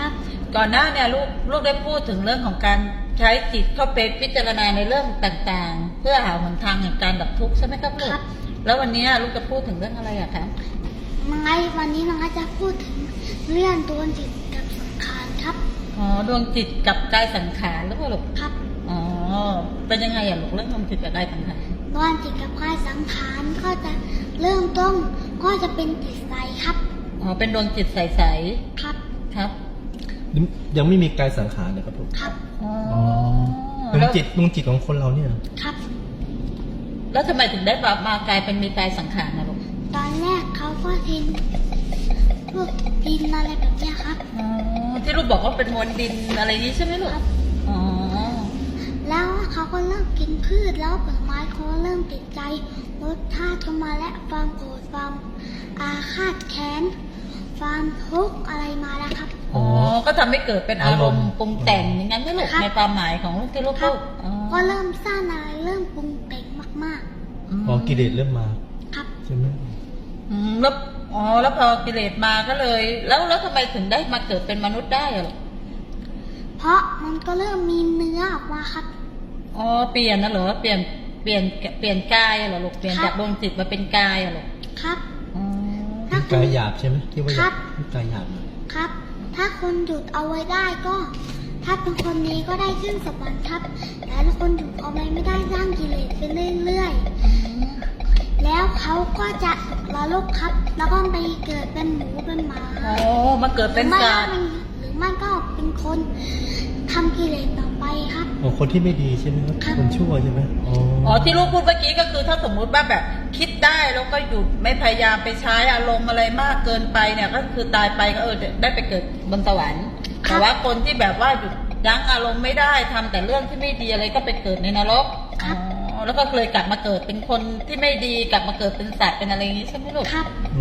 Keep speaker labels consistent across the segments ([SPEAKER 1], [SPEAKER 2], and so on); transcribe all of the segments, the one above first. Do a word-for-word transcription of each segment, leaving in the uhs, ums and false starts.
[SPEAKER 1] ครับ
[SPEAKER 2] ก่อนหน้าเนี่ยลูกลูกได้พูดถึงเรื่องของการใช้จิตเข้าไปพิจารณาในเรื่องต่างๆ เพื่อหาหนทางแห่งการดับทุกข์ใช่ไหมครับลูกแล้ววันนี้ลูกจะพูดถึงเรื่องอะไรอะคะ
[SPEAKER 1] น้องไอวันนี้น้องไอจะพูดถึงเรื่องดวงจิตกับสังขารครับ
[SPEAKER 2] อ๋อดวงจิตกับกายสังขารหรือเปล่าลูก
[SPEAKER 1] ครับ
[SPEAKER 2] อ๋อเป็นยังไงอะลูกเรื่องดวงจิตกับกายสังขาร
[SPEAKER 1] ดวงจิตกับกายสังขารก็จะเริ่มต้นก็จะเป็นจิตใสครับ
[SPEAKER 2] อ๋อเป็นดวงจิตใส
[SPEAKER 1] ๆครับ
[SPEAKER 2] ครับ
[SPEAKER 3] ยังไม่มีกายสังขารเลยครับผม
[SPEAKER 1] ครับ
[SPEAKER 3] อ๋อดวงจิตดวงจิตของคนเราเนี่ย
[SPEAKER 1] ครับ
[SPEAKER 2] แล้วทำไมถึงได้มากลายเป็นมีกายสังขารนะลูก
[SPEAKER 1] ตอนแรกเขาก็ทิ้งพวกดินอะไรแบบนี้ครับ
[SPEAKER 2] อ๋อที่ลูกบอกว่าเป็นมวลดินอะไรนี้ใช่ไหมลูกอ๋อ
[SPEAKER 1] แล้วเขาก็เริ่มกินพืชแล้วผลไม้เขาเริ่มติดใจรสชาติเข้ามาและความโกรธความอาฆาตแค้นความทุกข์อะไรมาแล้วครับ
[SPEAKER 2] อ๋อก็ทำให้เกิดเป็นอารมณ์ปรุงแต่งอย่างนั้นไหมลูกในความหมายของลูกที่ลูกพูด
[SPEAKER 1] ก็เริ่มสร้างอะไรเริ่มปรุงแต่งมาก
[SPEAKER 3] ๆอ๋อกิเลสเริ่มมา
[SPEAKER 1] ครับ
[SPEAKER 3] ใช่ไหม
[SPEAKER 2] อืมแล้วอ๋อแล้วพอกิเลสมาก็เลย แล้วแล้วทำไมถึงได้มาเกิดเป็นมนุษย์ได้อะ
[SPEAKER 1] เพราะมันก็เริ่มมีเนื้อออกมาครับ
[SPEAKER 2] อ๋อเปลี่ยนนะเหรอเปลี่ยนเปลี่ยนเปลี่ยนกายเหรอลูกเปลี่ยนจากดวงจิตมาเป็นกายเหรอ
[SPEAKER 1] ครับ
[SPEAKER 3] กายหยาบใช่ไหมที่ว่า
[SPEAKER 1] ก
[SPEAKER 3] ายหยาบ
[SPEAKER 1] ครับถ้าคนหยุดเอาไว้ได้ก็ถ้าเป็นคนนี้ก็ได้ขึ้นสวรรค์ครับแต่ถ้าคนหยุดเอาไว้ไม่ได้สร้างกิเลสไปเรื่อยๆแล้วเขาก็จะละลกครับแล้วก็ไปเกิดเป็นหมูเป็นหมา
[SPEAKER 2] อ๋อมาเกิดเป็นสัตว์
[SPEAKER 1] หรือไม่ก็เป็นคนทำกิเลสต่อไปครับ
[SPEAKER 3] อ๋อคนที่ไม่ดีใช่ไหมครับคนชั่วใช่ไหมอ๋อ
[SPEAKER 2] อ๋อที่ลูกพูดเมื่อกี้ก็คือถ้าสมมุติว่าแบบคิดได้แล้วก็หยุดไม่พยายามไปใช้อารมณ์อะไรมากเกินไปเนี่ยก็คือตายไปก็เออได้ไปเกิดบนสวรรค์แต่ว่าคนที่แบบว่าหยุดยั้งอารมณ์ไม่ได้ทำแต่เรื่องที่ไม่ดีอะไรก็ไปเกิดในนรกอ๋อแล้วก็เลยกลับมาเกิดเป็นคนที่ไม่ดีกลับมาเกิดเป็นสัตว์เป็นอะไรอย่างนี้ใช่ไหมลูก
[SPEAKER 1] ครับ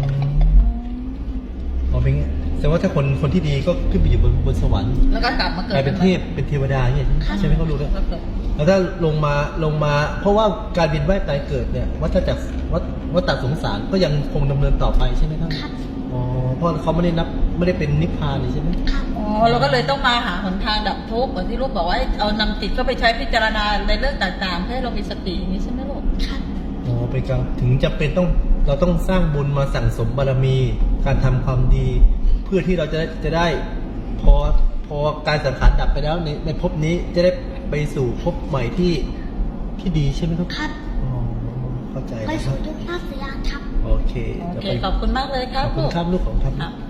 [SPEAKER 3] อ๋อเป็นไงแสดงว่าถ้าคนคนที่ดีก็ขึ้นไปอยู่บนบนสวรรค์
[SPEAKER 2] แล้วก็กลับมาเกิด
[SPEAKER 3] เป็นเทพเป็นเทวดาเนี่ยใช่ไหมเขารู้แล้วแล้วถ้าลงมาลงมาเพราะว่าการเวียนว่ายตายเกิดเนี่ยวัฏจักรวัฏวัฏสงสารก็ยังคงดำเนินต่อไปใช่ไหมครับอ๋อเพราะเขาไม่ได้นับไม่ได้เป็นนิพพานเลยใช่ไหม
[SPEAKER 2] อ๋อเราก็เลยต้องมาหาหนทางดับทุกข์เหมือนที่ลูกบอกว่าเอานำจิตเข้าไปใช้พิจารณาในเรื่องต่างๆให้เรามีสติอย่างนี้ใช่ไหมลูก
[SPEAKER 1] ครับ
[SPEAKER 3] อ๋อเป็นการถึงจะเป็นต้องเราต้องสร้างบุญมาสั่งสมบารมีการทำความดีเพื่อที่เราจะจะได้พอพอการสังขารดับไปแล้วในในภพนี้จะได้ไปสู่ภพใหม่ที่ที่ดีใช่ไหมครับ
[SPEAKER 1] ครับ
[SPEAKER 3] อ๋อเข้าใจ
[SPEAKER 1] ไปสู่ทุกภาคสยามครับ
[SPEAKER 3] โอเค
[SPEAKER 2] โอเคขอบคุณมากเลยครับ
[SPEAKER 3] ขอบคุณครับลูกของครับ